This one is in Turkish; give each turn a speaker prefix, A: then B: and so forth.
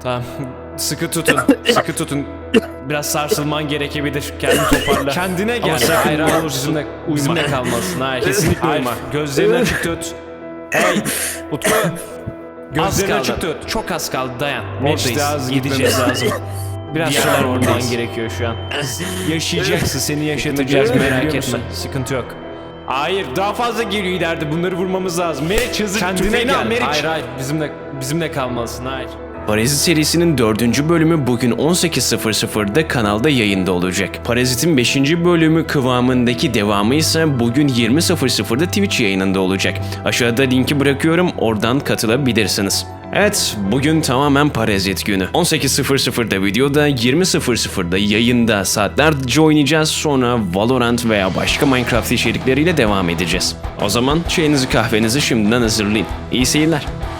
A: Tamam. Sıkı tutun. Sıkı tutun. Biraz sarsılman gerekebilir. Kendini toparla. Kendine gel. Hayır, hayır, bizimle kalmalısın. Hayır, kesinlikle uyma. Gözlerini açık tut. Hey, Utku. Gözlerini açık tut. Çok az kaldı, dayan. Oradayız. Gideceğiz lazım. Biraz sonra olman gerekiyor şu an. Yaşayacaksın, seni yaşatacağız, merak etme. Sıkıntı yok. Hayır, daha fazla geliyor ileride. Bunları vurmamız lazım. Meriç, hızlı kendine gel. Meriç. Hayır, hayır. Bizimle kalmalısın. Hayır.
B: Parazit serisinin 4. bölümü bugün 18.00'da kanalda yayında olacak. Parazit'in 5. bölümü kıvamındaki devamı ise bugün 20.00'da Twitch yayınında olacak. Aşağıda linki bırakıyorum, oradan katılabilirsiniz. Evet, bugün tamamen Parazit günü. 18.00'da videoda, 20.00'da yayında saatlerce oynayacağız, sonra Valorant veya başka Minecraft içerikleriyle devam edeceğiz. O zaman çayınızı kahvenizi şimdiden hazırlayın. İyi seyirler.